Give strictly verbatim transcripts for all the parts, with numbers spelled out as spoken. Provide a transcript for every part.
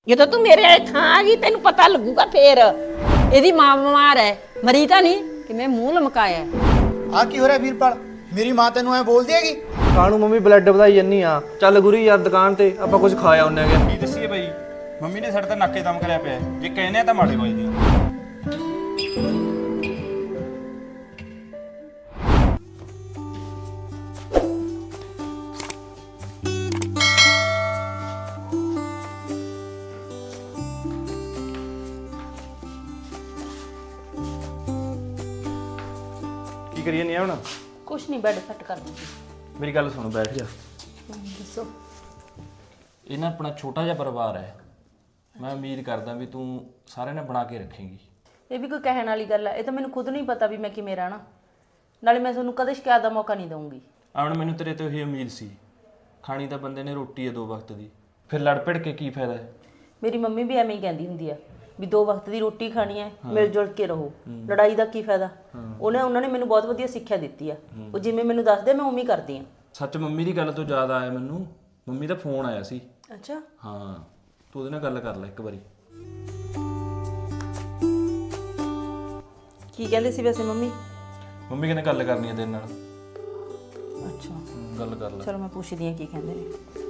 ਜਦੋਂ ਤੂੰ ਮੇਰੇ ਵਾਲੇ ਥਾਂ ਆ ਗਈ ਤੈਨੂੰ ਪਤਾ ਲੱਗੂਗਾ ਫੇਰ। ਇਹਦੀ ਮਾਂ ਬਿਮਾਰ ਹੈ, ਮਰੀ ਤਾਂ ਨਹੀਂ ਕਿਵੇਂ ਮੂੰਹ ਲਮਕਾਇਆ। ਆ ਕੀ ਹੋ ਰਿਹਾ ਵੀਰਪਾਲ? ਮੇਰੀ ਮਾਂ ਤੈਨੂੰ ਐ ਬੋਲਦੀ ਹੈਗੀ? ਕਾਹਨੂੰ ਮੰਮੀ ਬਲੱਡ ਵਧਾਈ ਜੰਨੀ ਆ। ਚੱਲ ਗੁਰੀ ਯਾਰ ਦੁਕਾਨ ਤੇ ਆਪਾਂ ਕੁਝ ਖਾਇਆ ਉਹਨੇ ਗਿਆ। ਕੀ ਦੱਸੀਏ ਬਈ, ਮੰਮੀ ਨੇ ਸਾਡੇ ਤਾਂ ਨਾਕੇ ਦਮ ਕਰਿਆ ਪਿਆ। ਜੇ ਕਹਿੰਦੇ ਆ ਤਾਂ ਮਾੜੇ ਵੱਜਦੇ ਆ। ਕੀ ਕਰੀਏ ਨਹੀਂ ਹੁਣ? ਕੁਛ ਨਹੀਂ, ਬੈੱਡ ਸੈੱਟ ਕਰ ਦੂੰਗੀ। ਮੇਰੀ ਗੱਲ ਸੁਣ, ਬੈਠ ਜਾ। ਦੱਸੋ। ਇਹ ਨਾ ਆਪਣਾ ਛੋਟਾ ਜਿਹਾ ਪਰਿਵਾਰ ਹੈ। ਮੈਂ ਉਮੀਦ ਕਰਦਾ ਵੀ ਤੂੰ ਸਾਰਿਆਂ ਨੇ ਬਣਾ ਕੇ ਰੱਖੇਂਗੀ। ਇਹ ਵੀ ਕੋਈ ਕਹਿਣ ਵਾਲੀ ਗੱਲ ਹੈ? ਇਹ ਤਾਂ ਮੈਨੂੰ ਖੁਦ ਨਹੀਂ ਪਤਾ ਵੀ ਮੈਂ ਕਿਵੇਂ ਰਹਿਣਾ। ਨਾਲੇ ਮੈਂ ਤੁਹਾਨੂੰ ਕਦੇ ਸ਼ਿਕਾਇਤ ਦਾ ਮੌਕਾ ਨਹੀਂ ਦਊਂਗੀ। ਆਵਣ ਮੈਨੂੰ ਤੇਰੇ ਤੋਂ ਇਹ ਉਮੀਦ ਸੀ। ਖਾਣੀ ਤਾਂ ਬੰਦੇ ਨੇ ਰੋਟੀ ਹੈ ਦੋ ਵਕਤ ਦੀ, ਫਿਰ ਲੜ ਭਿੜ ਕੇ ਕੀ ਫਾਇਦਾ ਹੈ? ਮੇਰੀ ਮੰਮੀ ਵੀ ਐਵੇਂ ਹੀ ਕਹਿੰਦੀ ਹੁੰਦੀ ਆ ਵੀ ਦੋ ਵਕਤ ਦੀ ਰੋਟੀ ਖਾਣੀ ਹੈ, ਮਿਲ ਜੁਲ ਕੇ ਰਹੋ, ਲੜਾਈ ਦਾ ਕੀ ਫਾਇਦਾ। ਉਹਨੇ ਉਹਨਾਂ ਨੇ ਮੈਨੂੰ ਬਹੁਤ ਵਧੀਆ ਸਿੱਖਿਆ ਦਿੱਤੀ ਆ। ਉਹ ਜਿਵੇਂ ਮੈਨੂੰ ਦੱਸਦੇ ਮੈਂ ਉਵੇਂ ਹੀ ਕਰਦੀ ਆ। ਸੱਚ ਮੰਮੀ ਦੀ ਗੱਲ ਤੋਂ ਯਾਦ ਆਇਆ ਮੈਨੂੰ, ਮੰਮੀ ਦਾ ਫੋਨ ਆਇਆ ਸੀ। ਅੱਛਾ। ਹਾਂ, ਤੂੰ ਉਹਦੇ ਨਾਲ ਗੱਲ ਕਰ ਲੈ ਇੱਕ ਵਾਰੀ। ਕੀ ਕਹਿੰਦੇ ਸੀ ਵੈਸੇ ਮੰਮੀ? ਮੰਮੀ ਕਹਿੰਦੇ ਗੱਲ ਕਰਨੀ ਹੈ ਤੇਰੇ ਨਾਲ। ਅੱਛਾ, ਹਮ, ਗੱਲ ਕਰ ਲੈ। ਚਲੋ ਮੈਂ ਪੁੱਛਦੀ ਆ ਕੀ ਕਹਿੰਦੇ ਨੇ।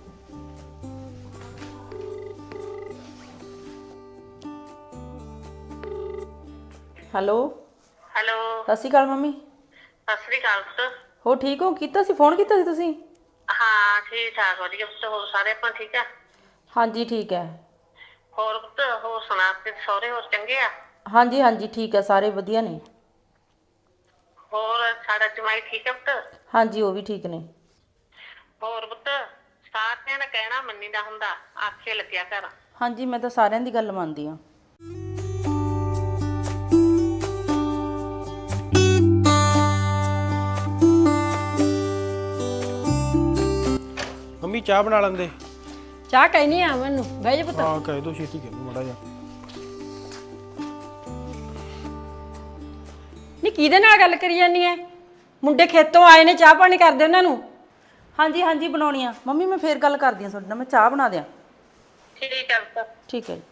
ਹੈਲੋ। ਹੈਲੋ, ਸਤਿ ਸ਼੍ਰੀ ਅਕਾਲ ਮੰਮੀ। ਸਤਿ ਸ੍ਰੀ ਅਕਾਲ ਪੁੱਤ। ਹੋ ਠੀਕ ਹੋ? ਕੀਤਾ ਸੀ ਫੋਨ ਕੀਤਾ ਸੀ ਤੁਸੀਂ? ਹਾਂ ਠੀਕ ਠਾਕ ਵਧੀਆ ਪੁੱਤ। ਹੋਰ ਸਾਰੇ ਆਪਾਂ ਠੀਕ ਆ? ਹਾਂਜੀ ਠੀਕ ਹੈ। ਹੋਰ ਪੁੱਤ ਹੋਰ ਸੁਣਾ, ਤੇ ਸਹੁਰੇ ਹੋਰ ਚੰਗੇ ਆ? ਹਾਂਜੀ ਹਾਂਜੀ ਠੀਕ ਹੈ, ਸਾਰੇ ਵਧੀਆ ਨੇ। ਹੋਰ ਸਾਡਾ ਜਮਾਈ ਠੀਕ ਆ ਪੁੱਤ? ਹਾਂਜੀ ਉਹ ਵੀ ਠੀਕ ਨੇ। ਹੋਰ ਪੁੱਤ ਸਾਰਿਆਂ ਦਾ ਕਹਿਣਾ ਮੰਨੀ ਦਾ ਹੁੰਦਾ, ਆਖੇ ਲੱਗਿਆ ਕਰ। ਹਾਂਜੀ ਮੈਂ ਤਾਂ ਸਾਰਿਆਂ ਦੀ ਗੱਲ ਮੰਨਦੀ ਹਾਂ। ਮੰਮੀ ਚਾਹ ਬਣਾ ਲੈਂਦੇ। ਚਾਹ ਕਹਿਨੀ ਆ ਮੈਨੂੰ, ਬਹਿ ਜਾ ਪੁੱਤ। ਹਾਂ ਕਹਿ ਦੋ, ਛੇਤੀ ਕਰ ਮੜਾ ਜਾ। ਨਹੀਂ ਕਿਹਦੇ ਨਾਲ ਗੱਲ ਕਰੀ ਜਾਨੀ ਐ? ਮੁੰਡੇ ਖੇਤੋਂ ਆਏ ਨੇ, ਚਾਹ ਪਾਣੀ ਕਰਦੇ ਉਹਨਾਂ ਨੂੰ। ਹਾਂਜੀ ਹਾਂਜੀ ਬਣਾਉਣੀ ਆ ਮੰਮੀ, ਮੈਂ ਫੇਰ ਗੱਲ ਕਰਦੀ ਹਾਂ ਤੁਹਾਡੇ ਨਾਲ। ਮੈਂ ਚਾਹ ਬਣਾ ਦਿਆਂ। ਠੀਕ ਆ ਪੁੱਤ। ਠੀਕ ਹੈ ਜੀ।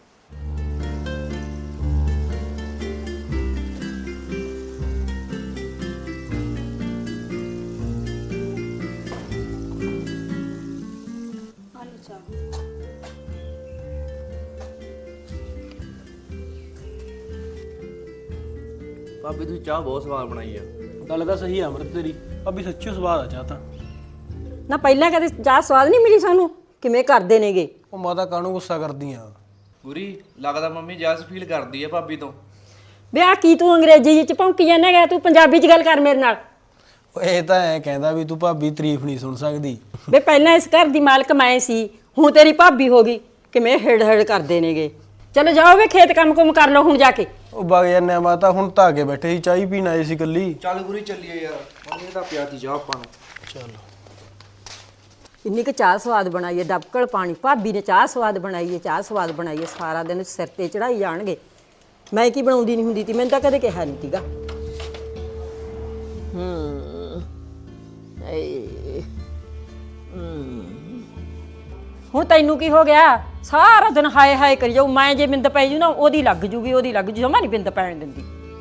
ਭਾਬੀ ਤੂੰ ਚਾਹ ਬਹੁਤ ਸਵਾਦ ਬਣਾਈ ਆ। ਗੱਲ ਤਾਂ ਸਹੀ ਆ ਅਮਰਤ ਤੇਰੀ, ਭਾਬੀ ਸੱਚੀ ਸਵਾਦ ਆ ਚਾਹ ਤਾਂ। ਨਾ ਪਹਿਲਾਂ ਕਦੇ ਚਾਹ ਸਵਾਦ ਨਹੀਂ ਮਿਲੀ ਸਾਨੂੰ, ਕਿਵੇਂ ਕਰਦੇ ਨੇਗੇ। ਉਹ ਮਾਤਾ ਕਾਹਨੂੰ ਗੁੱਸਾ ਕਰਦੀ ਆ? ਗੁਰੀ ਲੱਗਦਾ ਮੰਮੀ ਜੈਸ ਫੀਲ ਕਰਦੀ ਆ ਭਾਬੀ ਤੋਂ। ਵੇ ਆ ਕੀ ਤੂੰ ਅੰਗਰੇਜ਼ੀ ਵਿੱਚ ਭੌਂਕੀ ਜਾਂਦਾ ਹੈਗਾ, ਤੂੰ ਪੰਜਾਬੀ 'ਚ ਗੱਲ ਕਰ ਮੇਰੇ ਨਾਲ। ਇਹ ਤਾਂ ਐ ਕਹਿੰਦਾ ਵੀ ਤੂੰ ਭਾਬੀ ਤਾਰੀਫ ਨਹੀਂ ਸੁਣ ਸਕਦੀ। ਵੇ ਪਹਿਲਾਂ ਇਸ ਘਰ ਦੀ ਮਾਲਕ ਮੈਂ ਸੀ, ਹੁਣ ਤੇਰੀ ਭਾਬੀ ਹੋ ਗਈ। ਕਿਵੇਂ ਹੇੜ ਹੇੜ ਕਰਦੇ ਨੇਗੇ। ਚਲੋ ਜਾਓ ਵੇ ਖੇਤ ਕੰਮ ਕੁਮ ਕਰ ਲਓ ਹੁਣ ਜਾ ਕੇ। ਉਹ ਵਗ ਜਾਂਦੇ ਆ ਮਾਤਾ, ਹੁਣ ਤਾਂ ਅੱਗੇ ਬੈਠੇ ਸੀ, ਚਾਹ ਹੀ ਪੀਣ ਆਏ ਸੀ ਇਕੱਲੀ। ਚੱਲ ਗੁਰੀ ਚੱਲੀਏ ਯਾਰ, ਮੰਮੀ ਦਾ ਪਿਆਤੀ ਚਾਹ ਆਪਾਂ ਨੂੰ। ਚਲੋ ਇੰਨੀ ਕੁ ਚਾਹ ਸਵਾਦ ਬਣਾਈ ਹੈ, ਡਬਕਲ ਪਾਣੀ। ਭਾਬੀ ਨੇ ਚਾਹ ਸਵਾਦ ਬਣਾਈ ਹੈ, ਚਾਹ ਸਵਾਦ ਬਣਾਈ ਹੈ। ਸਾਰਾ ਦਿਨ ਸਿਰ ਤੇ ਚੜਾਈ ਜਾਣਗੇ। ਮੈਂ ਕੀ ਬਣਾਉਂਦੀ ਨਹੀਂ ਹੁੰਦੀ ਤੀ, ਮੈਨੂੰ ਤਾਂ ਕਦੇ ਕਿਹਾ ਨਹੀਂ ਸੀਗਾ। ਹੂੰ ਏ ਹੁਣ ਤੈਨੂੰ ਕੀ ਹੋ ਗਿਆ? ਸਾਰਾ ਦਿਨ ਹਾਏ ਹਾਏ ਕਰੀ ਜਾਊ। ਮੈਂ ਜੇ ਬਿੰਦ ਪੈ ਜੂ ਨਾ ਉਹਦੀ ਲੱਗ ਜੂਗੀ, ਉਹਦੀ ਲੱਗ ਜੂ। ਜਮਾ ਨਹੀਂ ਬਿੰਦ ਪੈਣ ਦਿੰਦੀ।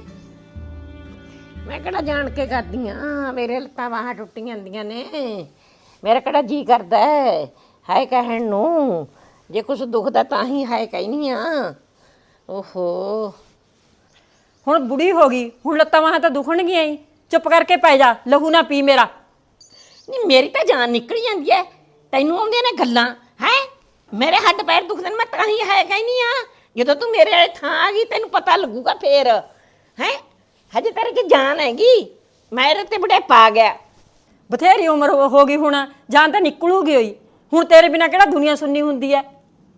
ਮੈਂ ਕਿਹੜਾ ਜਾਣ ਕੇ ਕਰਦੀ ਆ? ਮੇਰੇ ਲੱਤਾਂ ਬਾਹਾਂ ਟੁੱਟੀਆਂ ਜਾਂਦੀਆਂ ਨੇ। ਮੇਰਾ ਕਿਹੜਾ ਜੀ ਕਰਦਾ ਹੈ ਹਾਏ ਕਹਿਣ ਨੂੰ। ਜੇ ਕੁਛ ਦੁਖਦਾ ਤਾਂ ਹੀ ਹਾਏ ਕਹਿਨੀ ਆ। ਓਹੋ ਹੁਣ ਬੁੜੀ ਹੋ ਗਈ, ਹੁਣ ਲੱਤਾਂ ਬਾਹਾਂ ਤਾਂ ਦੁਖਣਗੀਆਂ ਹੀ। ਚੁੱਪ ਕਰਕੇ ਪੈ ਜਾ, ਲਹੂ ਨਾ ਪੀ ਮੇਰਾ। ਨਹੀਂ ਮੇਰੀ ਤਾਂ ਜਾਨ ਨਿਕਲ ਜਾਂਦੀ ਹੈ, ਤੈਨੂੰ ਆਉਂਦੀਆਂ ਨੇ ਗੱਲਾਂ ਹੈ। ਮੇਰੇ ਹੱਡ ਪੈਰ ਦੁਖਦੇ ਨੇ, ਮੈਂ ਤਾਂ ਹੀ ਹਾਏ ਕਹਿਨੀ ਆ। ਜਦੋਂ ਤੂੰ ਮੇਰੇ ਵਾਲੇ ਥਾਂ ਆ ਗਈ ਤੈਨੂੰ ਪਤਾ ਲੱਗੂਗਾ ਫੇਰ। ਹੈ ਹਜੇ ਤੇਰੇ 'ਚ ਜਾਨ ਹੈਗੀ, ਮੇਰੇ ਤੇ ਬੁਢੇਪਾ ਆ ਗਿਆ। ਬਥੇਰੀ ਉਮਰ ਹੋ ਹੋ ਗਈ, ਹੁਣ ਜਾਨ ਤਾਂ ਨਿਕਲੂਗੀ ਹੋਈ। ਹੁਣ ਤੇਰੇ ਬਿਨਾ ਕਿਹੜਾ ਦੁਨੀਆ ਸੁਣਨੀ ਹੁੰਦੀ ਹੈ।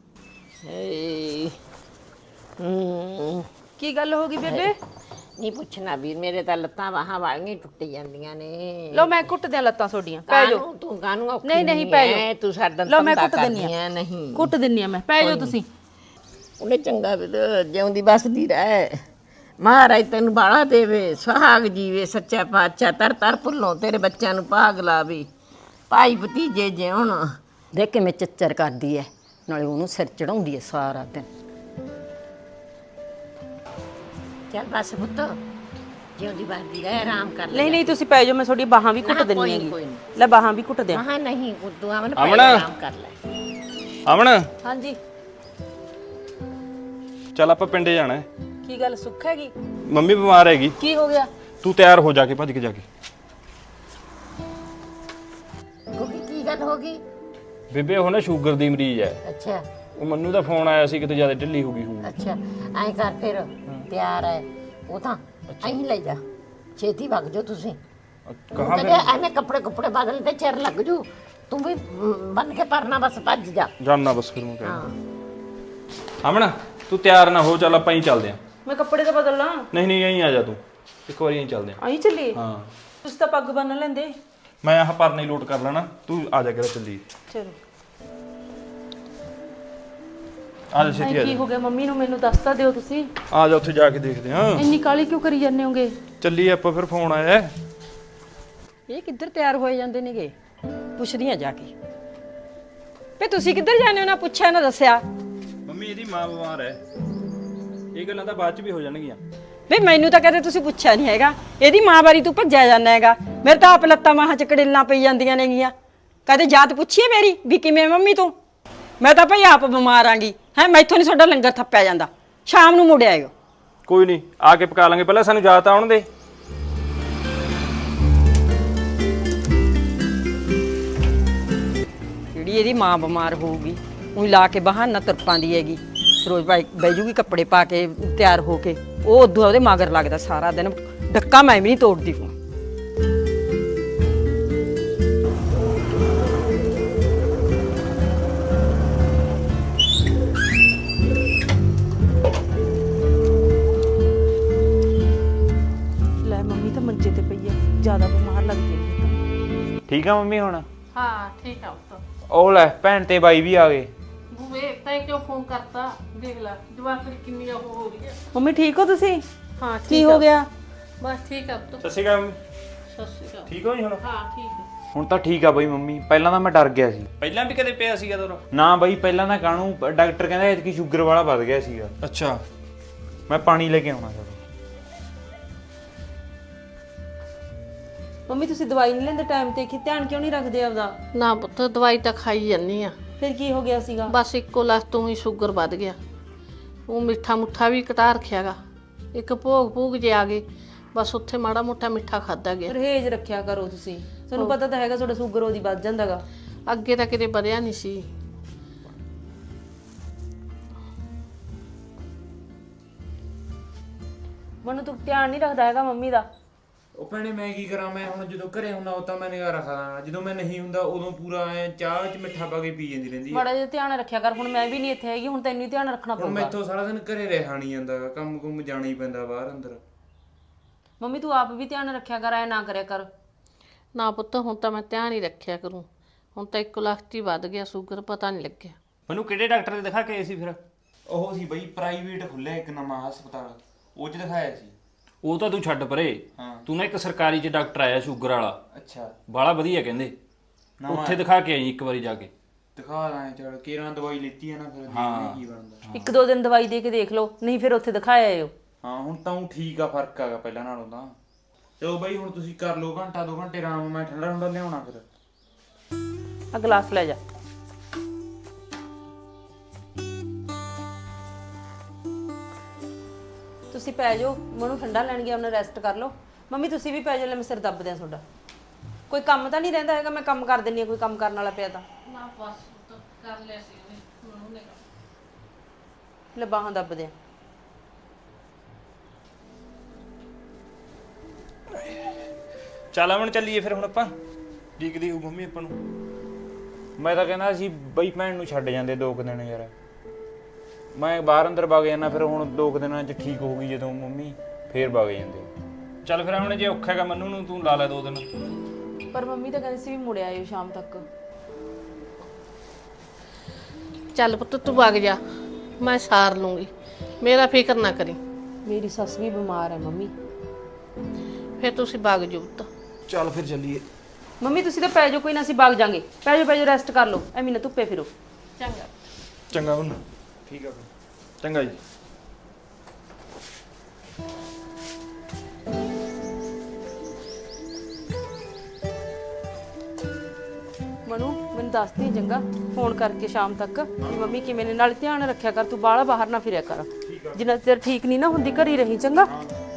ਕੀ ਗੱਲ ਹੋ ਗਈ ਬੇਬੇ? ਨਹੀਂ ਪੁੱਛਣਾ ਵੀਰ, ਮੇਰੇ ਤਾਂ ਲੱਤਾਂ ਬਾਹਾਂ ਵਾਲੀਆਂ ਟੁੱਟ ਜਾਂਦੀਆਂ ਨੇ। ਲਓ ਮੈਂ ਕੁੱਟ ਦਿਆਂ ਲੱਤਾਂ ਤੁਹਾਡੀਆਂ, ਪੈ ਜਾਓ। ਕਾਹਨੂੰ ਤੂੰ ਕਾਹਨੂੰ ਔਖੀ ਨਹੀਂ ਨਹੀਂ ਪੈ ਹੈ, ਜਾਓ। ਤੂੰ ਸਾਡਾ ਲਓ ਮੈਂ ਧੰਦਾ ਕੁੱਟ ਦਿੰਨੀ ਕਰਦੀ ਆ। ਹੈ। ਨਹੀਂ ਕੁੱਟ ਦਿੰਨੀ ਆ ਮੈਂ, ਪੈ ਜਾਓ ਤੁਸੀਂ। ਉਹਨੇ ਚੰਗਾ ਵੀਰ ਜਿਉਂਦੀ ਬਸਦੀ ਰਹਿ। ਮਹਾਰਾਜ ਤੈਨੂੰ ਬਾਲਾ ਦੇਵੇ, ਸੁਹਾਗ ਜੀਵੇ ਸੱਚਾ ਪਾਤਸ਼ਾਹ। ਤਰ ਤਰ ਭੁੱਲੋਂ ਤੇਰੇ ਬੱਚਿਆਂ ਨੂੰ ਭਾਗ ਲਾਵੇ, ਭਾਈ ਭਤੀਜੇ ਜਿਉਣ। ਦੇਖ ਕਿਵੇਂ ਚੱਚਰ ਕਰਦੀ ਐ। ਨਾਲੇ ਉਹਨੂੰ ਸਿਰ ਚੜਾਉਂਦੀ ਐ ਸਾਰਾ ਦਿਨ। ਚੱਲ ਬਸ ਪੁੱਤ ਜਿਉਂਦੀ ਬਾਦੀ ਰਹਿ ਆਰਾਮ ਕਰ ਲੈ। ਨਹੀਂ ਨਹੀਂ ਤੁਸੀਂ ਪੈ ਜਾਓ, ਮੈਂ ਤੁਹਾਡੀ ਬਾਹਾਂ ਵੀ ਘੁੱਟ ਨਾ, ਦਿੰਨੀ ਕੋਈ ਹੈਗੀ। ਕੋਈ ਨਹੀਂ। ਲੈ ਬਾਹਾਂ ਵੀ ਘੁੱਟ ਦਿਆਂ। ਹਾਂ ਨਹੀਂ ਗੁੱਦੂ ਅਮਨ ਅਮਨ। ਪਹਿਲਾਂ ਆਰਾਮ ਕਰ ਲੈ। ਅਮਨ ਹਾਂਜੀ ਚੱਲ ਆਪਾਂ ਪਿੰਡੇ ਜਾਣਾ ਹੈ। ਕੀ ਗੱਲ ਸੁੱਖ ਹੈਗੀ? ਮੰਮੀ ਬਿਮਾਰ ਹੈਗੀ, ਕੀ ਹੋ ਗਿਆ? ਤੂੰ ਤਿਆਰ ਹੋ ਜਾ ਕੇ ਭੱਜ ਕੇ ਜਾ ਕੇ। ਗੋਗੀ ਕੀ ਗੱਲ ਹੋ ਗਈ? ਬੇਬੇ ਉਹ ਨਾ ਸ਼ੂਗਰ ਦੀ ਮਰੀਜ਼ ਹੈ। ਅੱਛਾ ਉਹ ਮੰਨੂ ਦਾ ਫੋਨ ਆਇਆ ਸੀ ਕਿਤੇ ਜ਼ਿਆਦਾ ਢਿੱਲੀ ਹੋ ਗਈ ਹੋਊ। ਅੱਛਾ ਐਂ ਕਰ ਫਿਰ ਤਿਆਰ ਹੈ ਉਹ ਤਾਂ ਐਂ ਲੈ ਜਾ ਛੇਤੀ ਵਗ ਜਾਓ ਤੁਸੀਂ। ਕਹਾਂ ਕਹਿੰਦੇ ਐਵੇਂ ਕੱਪੜੇ ਕੁੱਪੜੇ ਬਦਲ ਤੇ ਚਿਰ ਲੱਗ ਜੂ। ਤੂੰ ਵੀ ਬੰਨ ਕੇ ਪਰਨਾ ਬਸ ਭੱਜ ਜਾ। ਜਾਣਾ ਬਸ ਫਿਰ ਮੈਂ ਹਾਂ ਕਹਿੰਦਾ। ਅਮਨ ਤੂੰ ਤਿਆਰ ਨਾ ਹੋ, ਚੱਲ ਆਪਾਂ ਹੀ ਚੱਲਦੇ ਆਂ। ਮੈਂ ਕੱਪੜੇ ਤਾਂ ਬਦਲ ਲਾਂ। ਨਹੀਂ ਨਹੀਂ ਐਂ ਆ ਜਾ ਤੂੰ, ਇੱਕ ਵਾਰੀ ਐਂ ਚੱਲਦੇ ਆਂ। ਆਈ ਚੱਲੀ? ਹਾਂ ਤੁਸੀਂ ਤਾਂ ਪੱਗ ਬੰਨ ਲੈਂਦੇ। ਮੈਂ ਆਹ ਪਰਨਾ ਹੀ ਲੋਟ ਕਰ ਲੈਣਾ, ਤੂੰ ਆ ਜਾ ਕੇ ਚੱਲੀ। ਚਲੋ ਆ ਜਾ ਛੇਤੀ ਆ ਕੀ ਜਾ। ਹੋ ਗਿਆ ਮੰਮੀ ਨੂੰ? ਮੈਨੂੰ ਦੱਸ ਤਾਂ ਦਿਓ ਤੁਸੀਂ। ਆ ਜਾ ਉੱਥੇ ਜਾ ਕੇ ਦੇਖਦੇ ਆਂ। ਇੰਨੀ ਕਾਲੀ ਕਿਉਂ ਕਰੀ ਜਾਂਦੇ ਹੋਗੇ? ਚੱਲੀ ਆਪਾਂ, ਫਿਰ ਫੋਨ ਆਇਆ ਹੈ। ਇਹ ਕਿੱਧਰ ਤਿਆਰ ਹੋਏ ਜਾਂਦੇ ਨੇਗੇ? ਪੁੱਛਦੀਆਂ ਜਾ ਕੇ ਵੇ ਤੁਸੀਂ ਕਿੱਧਰ ਜਾਂਦੇ ਹੋ? ਨਾ ਪੁੱਛਿਆ ਨਾ ਦੱਸਿਆ। ਮੰਮੀ ਇਹਦੀ ਮਾਂ ਬਿਮਾਰ ਹੈ, ਇਹ ਗੱਲਾਂ ਤਾਂ ਬਾਅਦ ਚ ਵੀ ਹੋ ਜਾਣਗੀਆਂ। ਵੇ ਮੈਨੂੰ ਤਾਂ ਕਦੇ ਤੁਸੀਂ ਪੁੱਛਿਆ ਨਹੀਂ ਹੈਗਾ। ਇਹਦੀ ਮਾਂ ਬਾਰੀ ਤੂੰ ਭੱਜਿਆ ਜਾਂਦਾ ਹੈਗਾ। ਮੇਰੇ ਤਾਂ ਆਪ ਲੱਤਾਂ ਮਾਹਾਂ ਚ ਕੜਿੱਲਾਂ ਪਈ ਜਾਂਦੀਆਂ ਨੇਗੀਆਂ। ਕਦੇ ਜਾਤ ਪੁੱਛੀਏ ਮੇਰੀ ਵੀ ਕਿਵੇਂ ਮੰਮੀ ਤੂੰ? ਮੈਂ ਤਾਂ ਭਾਈ ਆਪ ਬਿਮਾਰ ਆਂਗੀ ਹੈ। ਮੈਥੋਂ ਨਹੀਂ ਤੁਹਾਡਾ ਲੰਗਰ ਥੱਪਿਆ ਜਾਂਦਾ। ਸ਼ਾਮ ਨੂੰ ਮੁੜ ਆਇਓ। ਕੋਈ ਨਹੀਂ, ਆ ਕੇ ਪਕਾ ਲਾਂਗੇ, ਪਹਿਲਾਂ ਸਾਨੂੰ ਯਾਦ ਆਉਣ ਦੇ। ਜਿਹੜੀ ਇਹਦੀ ਮਾਂ ਬਿਮਾਰ ਹੋਊਗੀ ਉਹੀ ਲਾ ਕੇ ਬਹਾਨਾ ਤੁਰਪਾਂ ਦੀ ਹੈਗੀ। ਰੋਜ਼ ਬਾਈ ਬਹਿ ਜੂਗੀ ਕੱਪੜੇ ਪਾ ਕੇ ਤਿਆਰ ਹੋ ਕੇ। ਉਹ ਉਦੋਂ ਉਹਦੇ ਮਗਰ ਲੱਗਦਾ ਸਾਰਾ ਦਿਨ। ਡੱਕਾ ਮੈਂ ਵੀ ਨਹੀਂ ਤੋੜਦੀ ਹੂੰ। ਲੈ ਮੰਮੀ ਤਾਂ ਮੰਜੇ ਤੇ ਪਈ ਹੈ, ਜ਼ਿਆਦਾ ਬਿਮਾਰ ਲੱਗਦੀ ਹੈ। ਠੀਕ ਆ ਮੰਮੀ ਹੁਣ? ਹਾਂ ਠੀਕ ਆ ਪੁੱਤ। ਉਹ ਲੈ ਭੈਣ ਤੇ ਬਾਈ ਵੀ ਆ ਗਏ। ਬੂਵੇ ਤੈਂ ਕਿਉਂ ਫੋਨ ਕਰਤਾ? ਦੇਖ ਲੈ ਜਵਾਕੜੀ ਕਿੰਨੀ ਉਹ ਹੋ ਰਹੀ ਹੈ। ਮੰਮੀ ਠੀਕ ਹੋ ਤੁਸੀਂ? ਹਾਂ ਕੀ ਹੋ ਗਿਆ? ਬਸ ਠੀਕ ਆ ਪੁੱਤ। ਸਤਿ ਸ਼੍ਰੀ ਅਕਾਲ ਮੰਮੀ। ਸਤਿ ਸ਼੍ਰੀ ਅਕਾਲ। ਠੀਕ ਹੋ ਜੀ ਹੁਣ? ਹਾਂ ਠੀਕ ਹੈ। ਹੁਣ ਤਾਂ ਠੀਕ ਆ ਬਈ ਮੰਮੀ, ਪਹਿਲਾਂ ਤਾਂ ਮੈਂ ਡਰ ਗਿਆ ਸੀ। ਪਹਿਲਾਂ ਵੀ ਕਦੇ ਪਿਆ ਸੀਗਾ ਤੋਰਾ? ਨਾ ਬਈ ਪਹਿਲਾਂ ਤਾਂ ਕਾਹਨੂੰ, ਡਾਕਟਰ ਕਹਿੰਦਾ ਇਤਕੀ ਸ਼ੂਗਰ ਵਾਲਾ ਵੱਧ ਗਿਆ ਸੀਗਾ। ਅੱਛਾ ਮੈਂ ਪਾਣੀ ਲੈ ਕੇ ਆਉਣਾ ਚਲੋ। ਮੰਮੀ ਤੁਸੀਂ ਦਵਾਈ ਨਹੀਂ ਲੈਂਦੇ ਟਾਈਮ ਤੇ? ਕਿ ਧਿਆਨ ਕਿਉਂ ਨਹੀਂ ਰੱਖਦੇ ਆਪਦਾ? ਨਾ ਪੁੱਤ ਦਵਾਈ ਤਾਂ ਖਾਈ ਜਾਂਦੀ ਆ। ਫਿਰ ਕੀ ਹੋ ਗਿਆ ਸੀਗਾ? ਬਸ ਇੱਕੋ ਲੱਖ ਤੋਂ ਹੀ ਸ਼ੂਗਰ ਵੱਧ ਗਿਆ। ਉਹ ਮਿੱਠਾ ਮੁੱਠਾ ਵੀ ਘਟਾ ਰੱਖਿਆਗਾ। ਇੱਕ ਭੋਗ ਭੂਗ ਜੇ ਆ ਗਏ, ਬਸ ਉੱਥੇ ਮਾੜਾ ਮੋਟਾ ਮਿੱਠਾ ਖਾਦਾ ਗਿਆ। ਪਰਹੇਜ਼ ਰੱਖਿਆ ਕਰੋ ਤੁਸੀਂ। ਤੁਹਾਨੂੰ ਪਤਾ ਤਾਂ ਹੈਗਾ ਤੁਹਾਡਾ ਸ਼ੂਗਰ ਉਹਦੀ ਵੱਧ ਜਾਂਦਾਗਾ। ਅੱਗੇ ਤਾਂ ਕਿਤੇ ਵਧਿਆ ਨਹੀਂ ਸੀ। ਮੈਨੂੰ ਤੂੰ ਧਿਆਨ ਨਹੀਂ ਰੱਖਦਾ ਹੈਗਾ ਮੰਮੀ ਦਾ। ਉਹ ਭੈਣੇ ਮੈਂ ਕੀ ਕਰਾਂ? ਮੈਂ ਹੁਣ ਜਦੋਂ ਘਰੇ ਹੁੰਦਾ ਉਹ ਤਾਂ ਮੈਂ ਨਿਗਾਹ ਰੱਖਦਾ, ਜਦੋਂ ਮੈਂ ਨਹੀਂ ਹੁੰਦਾ ਉਦੋਂ ਪੂਰਾ ਐ ਚਾਹ ਚ ਮਿੱਠਾ ਪਾ ਕੇ ਪੀ ਜਾਂਦੀ ਰਹਿੰਦੀ ਹੈ। ਮਾੜਾ ਜਿਹਾ ਧਿਆਨ ਰੱਖਿਆ ਕਰ। ਹੁਣ ਮੈਂ ਵੀ ਨਹੀਂ ਇੱਥੇ ਹੈਗੀ, ਹੁਣ ਤੈਨੂੰ ਹੀ ਧਿਆਨ ਰੱਖਣਾ ਹੁਣ ਪਊਗਾ। ਮੈਥੋਂ ਸਾਰਾ ਦਿਨ ਘਰੇ ਰਹਿਣਾ ਨਹੀਂ ਜਾਂਦਾ, ਕੰਮ ਕੁੰਮ ਜਾਣਾ ਹੀ ਪੈਂਦਾ ਬਾਹਰ ਅੰਦਰ। ਮੰਮੀ ਤੂੰ ਆਪ ਵੀ ਧਿਆਨ ਰੱਖਿਆ ਕਰ, ਐ ਨਾ ਕਰਿਆ ਕਰ। ਨਾ ਪੁੱਤ ਹੁਣ ਤਾਂ ਮੈਂ ਧਿਆਨ ਹੀ ਰੱਖਿਆ ਕਰੂੰ। ਹੁਣ ਤਾਂ ਇੱਕ ਲੱਖ ਹੀ ਵੱਧ ਗਿਆ ਸ਼ੂਗਰ, ਪਤਾ ਨਹੀਂ ਲੱਗਿਆ। ਮੈਨੂੰ ਕਿਹੜੇ ਡਾਕਟਰ ਦੇ ਦਿਖਾ ਕੇ ਆਏ ਸੀ ਫਿਰ? ਉਹ ਸੀ ਬਈ ਪ੍ਰਾਈਵੇਟ ਖੁੱਲਿਆ ਇੱਕ ਨਵਾਂ ਹਸਪਤਾਲ, ਉਹ ਚ ਦਿਖਾਇਆ ਸੀ। ਉਹ ਤਾਂ ਤੂੰ ਛੱਡ ਪਰੇ, ਹਾਂ। ਤੂੰ ਨਾ ਇੱਕ ਸਰਕਾਰੀ ਚ ਡਾਕਟਰ ਆਇਆ ਸ਼ੂਗਰ ਵਾਲਾ, ਅੱਛਾ ਬਾਲਾ ਵਧੀਆ ਕਹਿੰਦੇ। ਨਵਾਂ ਉੱਥੇ ਦਿਖਾ ਕੇ ਆਈ ਇੱਕ ਵਾਰੀ ਜਾ ਕੇ। ਦਿਖਾ ਲਾਂ ਚਲ ਕੇਰਾਂ ਦਵਾਈ ਲਿੱਤੀ ਹੈ ਨਾ, ਫਿਰ ਦੇਖਦੇ ਹਾਂ। ਕੀ ਬਣਦਾ। ਇੱਕ ਦੋ ਦਿਨ ਦਵਾਈ ਦੇ ਕੇ ਦੇਖ ਲਓ, ਨਹੀਂ ਫਿਰ ਉੱਥੇ ਦਿਖਾਇਆ ਆਇਓ। ਹਾਂ ਹੁਣ ਤਾਂ ਉਹ ਠੀਕ ਆ, ਫਰਕ ਆਗਾ ਪਹਿਲਾਂ ਨਾਲੋਂ ਤਾਂ। ਚਲੋ ਬਾਈ ਹੁਣ ਤੁਸੀਂ ਕਰ ਲਓ ਘੰਟਾ ਦੋ ਘੰਟੇ ਆਰਾਮ, ਮੈਂ ਠੰਡਾ ਠੰਡਾ ਲਿਆਉਣਾ ਫਿਰ। ਆ ਗਲਾਸ ਲੈ ਜਾ। ਤੁਸੀਂ ਪੈ ਜਾਓ, ਮੈਨੂੰ ਠੰਡਾ ਲੈਣ ਗਿਆ, ਉਹਨੇ ਰੈਸਟ ਕਰ ਲਓ। ਮੰਮੀ ਤੁਸੀਂ ਵੀ ਪੈ ਜਾਓ, ਲੈ ਮੈਂ ਸਿਰ ਦੱਬ ਦਿਆਂ ਤੁਹਾਡਾ। ਕੋਈ ਕੰਮ ਤਾਂ ਨਹੀਂ ਰਹਿੰਦਾ ਹੈਗਾ? ਮੈਂ ਕੰਮ ਕਰ ਦਿੰਨੀ ਆ, ਕੋਈ ਕੰਮ ਕਰਨ ਵਾਲਾ ਪਿਆ ਤਾਂ। ਨਾ ਬਸ ਕਰ ਲਿਆ ਸੀ ਉਹਨੇ, ਮੈਨੂੰ ਨੇ ਲੈ ਬਾਹਾਂ ਦੱਬ ਦਿਆਂ। ਚੱਲ ਅਮਨ ਚੱਲੀਏ ਫਿਰ ਹੁਣ ਆਪਾਂ। ਦੀਕਦੀ ਹੋ ਮੰਮੀ ਆਪਾਂ ਨੂੰ। ਮੈਂ ਤਾਂ ਕਹਿੰਦਾ ਸੀ ਬਈ ਭੈਣ ਨੂੰ ਛੱਡ ਜਾਂਦੇ ਦੋ ਕੁ ਦਿਨ ਯਾਰ। ਮੈਂ ਬਾਹਰ ਅੰਦਰ ਵਗ ਜਾਣਾ, ਫਿਰ ਹੁਣ ਦੋ ਕੁ ਦਿਨਾਂ 'ਚ ਠੀਕ ਹੋ ਗਈ ਜਦੋਂ ਮੰਮੀ, ਫੇਰ ਵਗ ਜਾਂਦੇ। ਚੱਲ ਫਿਰ ਅਮਨ ਜੇ ਔਖਾ ਹੈਗਾ ਮੰਨੂ ਨੂੰ, ਤੂੰ ਲਾ ਲੈ ਦੋ ਦਿਨ। ਪਰ ਮੰਮੀ ਤਾਂ ਕਹਿੰਦੀ ਸੀ ਵੀ ਮੁੜ ਆਇਓ ਸ਼ਾਮ ਤੱਕ। ਚੱਲ ਪੁੱਤ ਤੂੰ ਵਗ ਜਾ, ਮੈਂ ਸਾਰ ਲੂੰਗੀ, ਮੇਰਾ ਫਿਕਰ ਨਾ ਕਰੀ। ਮੇਰੀ ਸੱਸ ਵੀ ਬਿਮਾਰ ਹੈ ਮੰਮੀ। ਫਿਰ ਤੁਸੀਂ ਵਗ ਜਾਓ ਪੁੱਤ। ਚੱਲ ਫਿਰ ਚੱਲੀਏ। ਮੰਮੀ ਤੁਸੀਂ ਤਾਂ ਪੈ ਜਾਓ, ਕੋਈ ਨਾ ਅਸੀਂ ਵਗ ਜਾਾਂਗੇ। ਪੈ ਜਾਓ ਪੈ ਜਾਓ, ਰੈਸਟ ਕਰ ਲਓ, ਐਵੇਂ ਨਾ ਧੁੱਪੇ ਫਿਰੋ। ਚੰਗਾ। ਚੰਗਾ ਮੰਮੀ ਠੀਕ ਆ ਚੰਗਾ ਜੀ। ਮਨੂ ਮੈਨੂੰ ਦੱਸਦੀ ਚੰਗਾ ਫੋਨ ਕਰਕੇ ਸ਼ਾਮ ਤੱਕ ਵੀ ਮੰਮੀ ਕਿਵੇਂ ਨੇ, ਨਾਲ ਧਿਆਨ ਰੱਖਿਆ ਕਰ, ਤੂੰ ਬਾਹਲਾ ਬਾਹਰ ਨਾ ਫਿਰਿਆ ਕਰ, ਜਿੰਨਾ ਚਿਰ ਠੀਕ ਨਹੀਂ ਨਾ ਹੁੰਦੀ ਘਰ ਹੀ ਰਹੀ ਚੰਗਾ।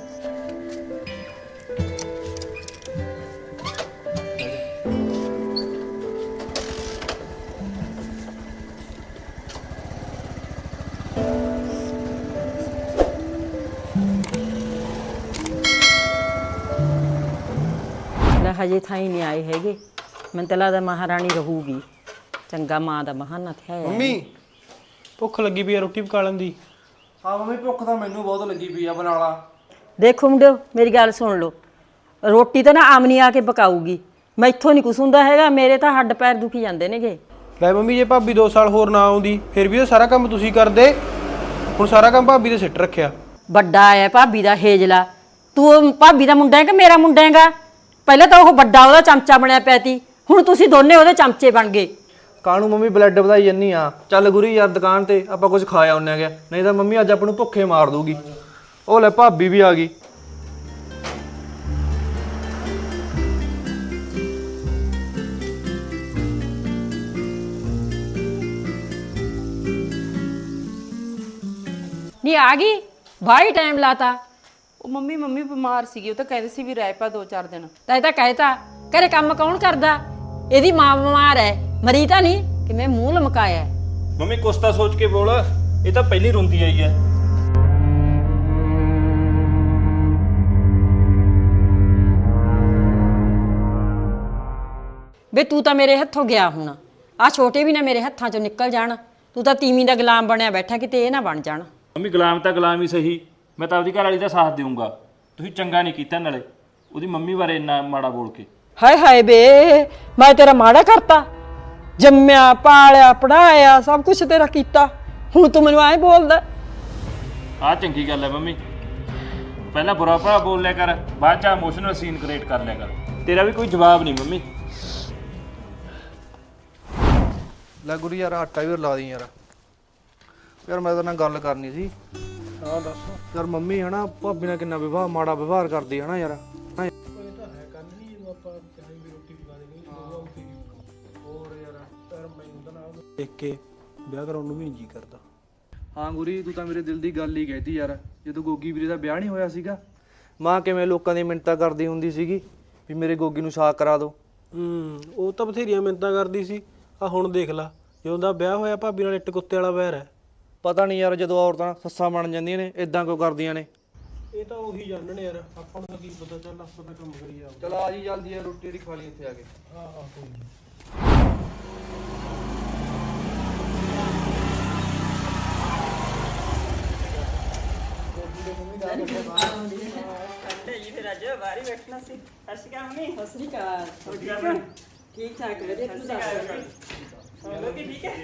ਲੈ ਹਜੇ ਥਾਈ ਨਹੀਂ ਆਏ ਹੈਗੇ, ਮੈਨੂੰ ਤਾਂ ਲੱਗਦਾ ਮਹਾਰਾਣੀ ਰਹੂਗੀ। ਚੰਗਾ ਮਾਂ ਦਾ ਬਹਾਨਾ ਥਿਆ ਹੈ। ਮੰਮੀ ਭੁੱਖ ਲੱਗੀ ਪਈ ਆ, ਰੋਟੀ ਪਕਾ ਲੈਂਦੀ। ਹਾਂ ਮੰਮੀ ਭੁੱਖ ਤਾਂ ਮੈਨੂੰ ਬਹੁਤ ਲੱਗੀ ਪਈ ਆ, ਬਣਾ ਲਾ। ਦੇਖੋ ਮੁੰਡਿਓ ਮੇਰੀ ਗੱਲ ਸੁਣ ਲਓ, ਰੋਟੀ ਤਾਂ ਨਾ ਆਮਨੀ ਆ ਕੇ ਪਕਾਊਗੀ, ਮੈਥੋਂ ਨਹੀਂ ਕੁਛ ਹੁੰਦਾ ਹੈਗਾ, ਮੇਰੇ ਤਾਂ ਹੱਡ ਪੈਰ ਦੁਖੀ ਜਾਂਦੇ ਨੇਗੇ। ਲੈ ਮੰਮੀ ਜੇ ਭਾਬੀ ਦੋ ਸਾਲ ਹੋਰ ਨਾ ਆਉਂਦੀ ਫਿਰ ਵੀ ਤਾਂ ਸਾਰਾ ਕੰਮ ਤੁਸੀਂ ਕਰਦੇ, ਹੁਣ ਸਾਰਾ ਕੰਮ ਭਾਬੀ ਦੇ ਸਿੱਟ ਰੱਖਿਆ। ਵੱਡਾ ਆਇਆ ਭਾਬੀ ਦਾ ਹੇਜਲਾ, ਤੂੰ ਉਹ ਭਾਬੀ ਦਾ ਮੁੰਡਾ ਹੈ ਕਿ ਮੇਰਾ ਮੁੰਡਾ ਹੈਗਾ? ਪਹਿਲਾਂ ਤਾਂ ਉਹ ਵੱਡਾ ਉਹਦਾ ਚਮਚਾ ਬਣਿਆ ਪਿਆ ਤੀ, ਹੁਣ ਤੁਸੀਂ ਦੋਨੇ ਉਹਦੇ ਚਮਚੇ ਬਣ ਗਏ। ਕਾਹਨੂੰ ਮੰਮੀ ਬਲੱਡ ਵਧਾਈ ਜੰਨੀ ਆ, ਚੱਲ ਗੁਰੀ ਯਾਰ ਦੁਕਾਨ ਤੇ ਆਪਾਂ ਕੁਝ ਖਾ ਆਉਂਦੇ ਆਗੇ, ਨਹੀਂ ਤਾਂ ਮੰਮੀ ਅੱਜ ਆਪਾਂ ਨੂੰ ਭੁੱਖੇ ਮਾਰ ਦੂਗੀ। ਉਹ ਲੈ ਭਾਬੀ ਵੀ ਆ ਗਈ। ਨਹੀਂ ਆ ਗਈ, ਬਾਈ ਟਾਈਮ ਲਾਤਾ। ਉਹ ਮੰਮੀ ਮੰਮੀ ਬਿਮਾਰ ਸੀਗੀ, ਉਹ ਤਾਂ ਕਹਿੰਦੇ ਸੀ ਵੀ ਰਹਿ ਪਾ ਦੋ ਚਾਰ ਦਿਨ। ਤਾਂ ਇਹ ਤਾਂ ਕਹਿਤਾ, ਘਰੇ ਕੰਮ ਕੌਣ ਕਰਦਾ? ਇਹਦੀ ਮਾਂ ਬਿਮਾਰ ਹੈ, ਮਰੀ ਤਾਂ ਨਹੀਂ, ਕਿਵੇਂ ਮੂੰਹ ਲਮਕਾਇਆ। ਮੰਮੀ ਕੁਛ ਤਾਂ ਸੋਚ ਕੇ ਬੋਲ, ਇਹ ਤਾਂ ਪਹਿਲੀ ਰੋਂਦੀ ਆਈ ਹੈ। ਵੇ ਤੂੰ ਤਾਂ ਮੇਰੇ ਹੱਥੋਂ ਗਿਆ ਹੁਣ, ਆ ਛੋਟੇ ਵੀ ਨਾ ਮੇਰੇ ਹੱਥਾਂ ਚੋਂ ਨਿਕਲ ਜਾਣ। ਤੂੰ ਤਾਂ ਤੀਵੀਂ ਦਾ ਗੁਲਾਮ ਬਣਿਆ ਬੈਠਾ, ਕਿਤੇ ਇਹ ਨਾ ਬਣ ਜਾਣ। ਮੰਮੀ ਗੁਲਾਮ ਤਾਂ ਗੁਲਾਮ ਹੀ ਸਹੀ, ਮੈਂ ਤਾਂ ਆਪਦੀ ਘਰ ਵਾਲੀ ਦਾ ਸਾਥ ਦੇਵਾਂਗਾ। ਤੁਸੀਂ ਚੰਗਾ ਨਹੀਂ ਕੀਤਾ ਨਾਲੇ ਉਹਦੀ ਮੰਮੀ ਬਾਰੇ ਇੰਨਾ ਮਾੜਾ ਬੋਲ ਕੇ। ਹਾਏ ਹਾਏ ਬੇ, ਮੈਂ ਤੇਰਾ ਮਾੜਾ ਕਰਤਾ? ਜੰਮਿਆ ਪਾਲਿਆ ਪੜਾਇਆ ਸਭ ਕੁਝ ਤੇਰਾ ਕੀਤਾ, ਹੁਣ ਤੂੰ ਮੈਨੂੰ ਐਂ ਬੋਲਦਾ? ਆਹ ਚੰਗੀ ਗੱਲ ਹੈ ਮੰਮੀ, ਪਹਿਲਾਂ ਬੁਰਾ ਭਲਾ ਬੋਲ ਲਿਆ ਕਰ, ਬਾਅਦ ਚ ਇਮੋਸ਼ਨਲ ਸੀਨ ਕ੍ਰੀਏਟ ਕਰ ਲਿਆ ਕਰ। ਤੇਰਾ ਵੀ ਕੋਈ ਜਵਾਬ ਨਹੀਂ ਮੰਮੀ। ਲੈ ਗੁਰੀ ਯਾਰ ਆਟਾ ਵੀ ਲਾ ਦੀ ਯਾਰ। ਯਾਰ ਮੈਂ ਤਾਂ ਨਾਲ ਗੱਲ ਕਰਨੀ ਸੀ। ਹਾਂ ਦੱਸ। ਯਾਰ ਮੰਮੀ ਹਨਾ ਭਾਬੀ ਨਾਲ ਕਿੰਨਾ ਵਿਵਹਾਰ ਮਾੜਾ ਵਿਵਹਾਰ ਕਰਦੀ ਹਨਾ ਯਾਰ। ਦੇਖ ਕੇ ਵਿਆਹ ਕਰਾਉਣ ਨੂੰ ਵੀ ਨਹੀਂ ਜੀ ਕਰਦਾ। ਹਾਂ ਗੁਰੀ ਤੂੰ ਤਾਂ ਮੇਰੇ ਦਿਲ ਦੀ ਗੱਲ ਹੀ ਕਹਿਤੀ ਯਾਰ। ਜਦੋਂ ਗੋਗੀ ਵੀਰੇ ਦਾ ਵਿਆਹ ਨਹੀਂ ਹੋਇਆ ਸੀਗਾ, ਮਾਂ ਕਿਵੇਂ ਲੋਕਾਂ ਦੀ ਮਿੰਨਤਾਂ ਕਰਦੀ ਹੁੰਦੀ ਸੀਗੀ ਵੀ ਮੇਰੇ ਗੋਗੀ ਨੂੰ ਸਾਕ ਕਰਾ ਦਿਓ। ਹੂੰ ਉਹ ਤਾਂ ਬਥੇਰੀਆਂ ਮਿੰਨਤਾਂ ਕਰਦੀ ਸੀ, ਆ ਹੁਣ ਦੇਖ ਲਾ ਜਦੋਂ ਦਾ ਵਿਆਹ ਹੋਇਆ ਭਾਬੀ ਨਾਲ ਇੱਟ ਕੁੱਤੇ ਵਾਲਾ ਵੈਰ ਹੈ। ਪਤਾ ਨਹੀਂ ਯਾਰ ਜਦੋਂ ਔਰਤਾਂ ਸੱਸਾਂ ਬਣ ਜਾਂਦੀਆਂ ਨੇ ਇਦਾਂ ਕਿਉਂ ਕਰਦੀਆਂ ਨੇ। ਇਹ ਤਾਂ ਉਹੀ ਜਾਣਣ ਯਾਰ, ਆਪਾਂ ਨੂੰ ਤਾਂ ਕੀ ਪਤਾ, ਚੱਲ ਆਪਾਂ ਤਾਂ ਕੰਮ ਕਰੀ ਜਾ। ਚਲ ਆ ਜੀ ਜਲਦੀ ਯਾਰ, ਰੋਟੀ ਦੀ ਖਾ ਲਈ ਉੱਥੇ ਆ ਕੇ। ਹਾਂ ਹਾਂ ਕੋਈ ਨਹੀਂ। ਠੀਕ ਠਾਕ ਵਧੀਆ, ਤੂੰ ਦੱਸ? ਠੀਕ ਹੈ,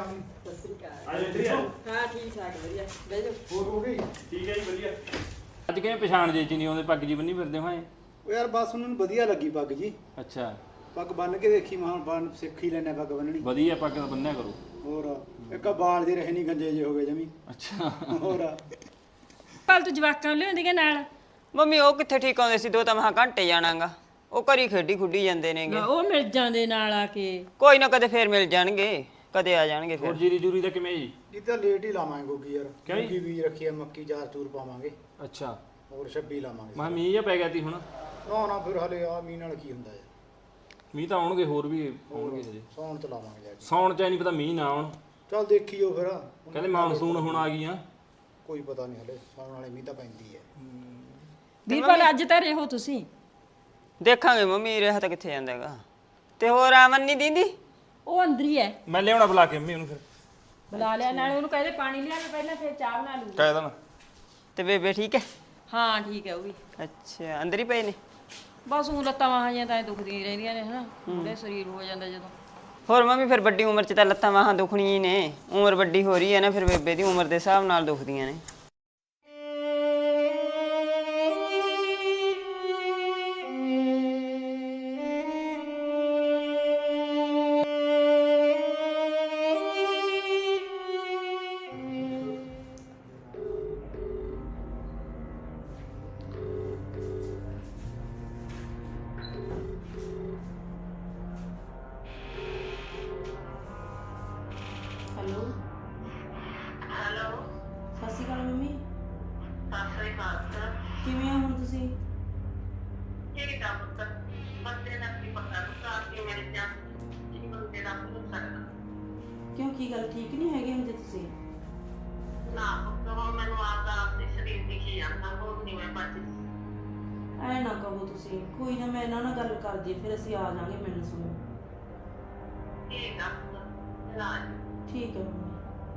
ਹਾਂ ਠੀਕ ਠਾਕ ਵਧੀਆ, ਬਹਿ ਜਾ। ਠੀਕ ਹੈ ਜੀ ਵਧੀਆ। ਅੱਜ ਕਿਵੇਂ ਪਛਾਣ ਜੇ ਚ ਨਹੀਂ ਆਉਂਦੇ, ਪੱਗ ਜੀ ਬੰਨੀ ਫਿਰਦੇ ਹੋਏ? ਉਹ ਯਾਰ ਬਸ ਉਹਨਾਂ ਨੂੰ ਵਧੀਆ ਲੱਗੀ ਪੱਗ ਜੀ, ਅੱਛਾ ਪੱਗ ਬੰਨ ਕੇ ਦੇਖੀ ਮੈਂ, ਹੁਣ ਬੰਨ ਸਿੱਖ ਹੀ ਲੈਣਾ ਪੱਗ ਬੰਨਣੀ। ਵਧੀਆ, ਪੱਗ ਤਾਂ ਬੰਨਿਆ ਕਰੋ। ਹੋਰ ਇੱਕ ਬਾਲ ਜੇ ਰਹੇ ਨਹੀਂ ਗੰਜੇ ਜੇ ਹੋ ਗਏ ਜਮੀ। ਅੱਛਾ ਹੋਰ ਕੱਲ ਤੂੰ ਜਵਾਕਾਂ ਲਿਆਉਂਦੀਆਂ ਨਾਲ? ਮੰਮੀ ਉਹ ਕਿੱਥੇ ਠੀਕ ਆਉਂਦੇ ਸੀ, ਦੋ ਤਾਂ ਮਹਾ ਘੰਟੇ ਜਾਣਾਗਾ, ਉਹ ਘਰੀ ਖੇਡੀ ਖੁੱਡੀ ਜਾਂਦੇ ਨੇਗੇ। ਉਹ ਮਿਲ ਜਾਂਦੇ ਨਾਲ ਆ ਕੇ। ਕੋਈ ਨਾ ਕਦੇ ਫੇਰ ਮਿਲ ਜਾਣਗੇ, ਕਦੇ ਆ ਜਾਣਗੇ ਹੋਰ ਫਿਰ। ਜੀਰੀ ਜੂਰੀ ਦਾ ਕਿਵੇਂ ਜੀ? ਇਹ ਤਾਂ ਲੇਟ ਹੀ ਲਾਵਾਂਗੇ ਗੋਗੀ ਯਾਰ, ਕਿਉਂ ਜੀ? ਗੋਗੀ ਬੀਜ ਰੱਖੀ ਆ, ਮੱਕੀ ਚਾਰ ਚੂਰ ਪਾਵਾਂਗੇ, ਅੱਛਾ ਹੋਰ ਛੱਬੀ ਲਾਵਾਂਗੇ। ਮੈਂ ਮੀਂਹ ਜਿਹਾ ਪੈ ਗਿਆ ਤੀ ਹੁਣ। ਨਾ ਨਾ ਫਿਰ ਹਲੇ ਆ ਮੀਂਹ ਨਾਲ ਕੀ ਹੁੰਦਾ ਯਾਰ, ਮੀਂਹ ਤਾਂ ਆਉਣਗੇ, ਹੋਰ ਵੀ ਆਉਣਗੇ ਹਜੇ। ਸੌਣ ਚ ਲਾਵਾਂਗੇ ਜਾ ਕੇ। ਸੌਣ ਚ ਨਹੀਂ ਪਤਾ ਮੀਂਹ ਨਾ ਆਉਣ, ਚੱਲ ਦੇਖੀਓ ਫਿਰ, ਕਹਿੰਦੇ ਮਾਨਸੂਨ ਹੁਣ ਆ ਗਈਆਂ। ਕੋਈ ਪਤਾ ਨਹੀਂ ਹਲੇ, ਸੌਣ ਵਾਲੇ ਮੀਂਹ ਤਾਂ ਪੈਂਦੀ ਹੈ। ਵੀਰਪਾਲ ਅੱਜ ਤਾਂ ਰਹੋ ਤੁਸੀਂ। ਦੇਖਾਂਗੇ ਮੰਮੀ, ਰਿਹਾ ਤਾਂ ਕਿੱਥੇ ਜਾਂਦਾ ਹੈਗਾ। ਤੇ ਹੋਰ ਆਮਨ ਨਹੀਂ ਦਿੰਦੀ? ਉਹ ਅੰਦਰ ਹੀ ਹੈ। ਮੈਂ ਲਿਆਉਣਾ ਬੁਲਾ ਕੇ ਮੰਮੀ ਉਹਨੂੰ, ਫਿਰ ਬੁਲਾ ਲਿਆ, ਨਾਲੇ ਉਹਨੂੰ ਕਹਿੰਦੇ ਪਾਣੀ ਲਿਆ ਮੈਂ ਪਹਿਲਾਂ, ਫਿਰ ਚਾਹ ਬਣਾ ਲੂੰਗੀ। ਕਹਿ ਦੇਣਾ। ਤੇ ਬੇਬੇ ਠੀਕ ਹੈ? ਹਾਂ ਠੀਕ ਹੈ ਉਹ ਵੀ। ਅੱਛਾ ਅੰਦਰ ਹੀ ਪਏ ਨੇ? ਬਸ ਉਹ ਲੱਤਾਂ ਬਾਹਾਂ ਜਾਂ ਤਾਂ ਦੁਖਦੀਆਂ ਰਹਿੰਦੀਆਂ ਨੇ ਹਨਾ, ਉਹਦੇ ਸਰੀਰ ਹੋ ਜਾਂਦਾ ਜਦੋਂ। ਹੋਰ ਮੰਮੀ ਫਿਰ ਵੱਡੀ ਉਮਰ 'ਚ ਤਾਂ ਲੱਤਾਂ ਬਾਹਾਂ ਦੁਖਣੀਆਂ ਹੀ ਨੇ, ਉਮਰ ਵੱਡੀ ਹੋ ਰਹੀ ਹੈ ਨਾ, ਫਿਰ ਬੇਬੇ ਦੀ ਉਮਰ ਦੇ ਹਿਸਾਬ ਨਾਲ ਦੁਖਦੀਆਂ ਨੇ। ਕਿਵੇਂ ਹੋ ਹੁਣ ਤੁਸੀਂ? ਕਿਉਂ ਕੀ ਗੱਲ ਠੀਕ ਨਹੀਂ ਹੈਗੇ ਹੁੰਦੇ ਤੁਸੀਂ? ਐ ਨਾ ਕਹੋ ਤੁਸੀਂ, ਕੋਈ ਨਾ ਮੈਂ ਇਹਨਾਂ ਨਾਲ ਗੱਲ ਕਰਦੀ ਹਾਂ, ਫਿਰ ਅਸੀਂ ਆ ਜਾਾਂਗੇ ਮਿਲਣ ਸੁਣੋ। ਠੀਕ ਹੈ ਮੰਮੀ।